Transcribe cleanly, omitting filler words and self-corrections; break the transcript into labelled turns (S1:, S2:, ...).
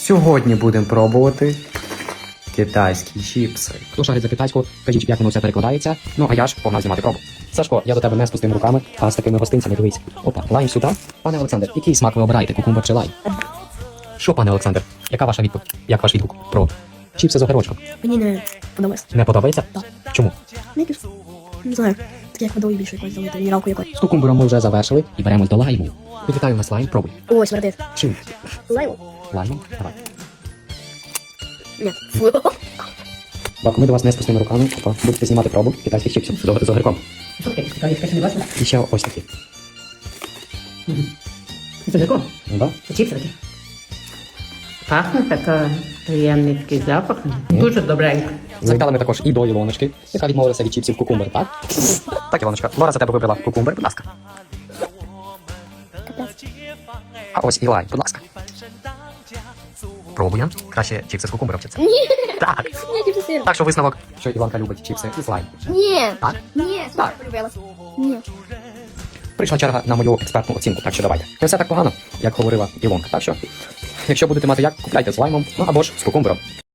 S1: Сьогодні будемо пробувати китайські чіпси.
S2: Хто шарить за китайську, кажіть, як воно все перекладається. Ну, а я ж погнав знімати пробу. Сашко, я до тебе не з пустими руками, а з такими гостинцями, дивись. Опа, лайм сюди. Пане Олександр, який смак ви обираєте, кукумбер чи лайм? Що, пане Олександр, яка ваша відповідь? Як ваш відгук про чіпси з огірочком?
S3: Мені не подобається.
S2: Не подобається?
S3: Так.
S2: Чому?
S3: Не знаю. Таке як водою більше якось залити, мінералку якось.
S2: З кукумбером ми вже завершили і беремось до лайму. Вітаю нас лайм, пробуй.
S3: Ой, смердить.
S2: Чим?
S3: Лайм?
S2: Лаймом? Давай.
S3: Ні. Фу.
S2: Баку, ми до вас не з пустими руками. Опа, будете знімати пробу китайських чіпсів з огірком.
S3: Що таке? Китайська не бачила?
S2: І ще ось такі.
S3: Це легко.
S2: Ну, да?
S3: Це чіпси такі.
S4: Пахне така приємний такий запах. Дуже добренько.
S2: Завітали ми також і до Ілоночки, яка відмовилася від чіпсів кукумбер, так? Так, Ілоночка, Лора за тебе вибрала кукумбер, будь ласка. А ось і лайм, будь ласка. Пробуємо. Краще чіпси з кукумбером чи це?
S3: Ні.
S2: Так.
S3: Ні, чіпси сир.
S2: Так що висновок, що Ілонка любить чіпси із лайм.
S3: Ні.
S2: Так?
S3: Ні.
S2: Так.
S3: Полюбила. Ні.
S2: Прийшла черга на мою експертну оцінку, так що давайте. Не все так погано, як говорила Ілонка. Так що, якщо будете мати як, купляйте з лаймом, ну або ж з кукумбером.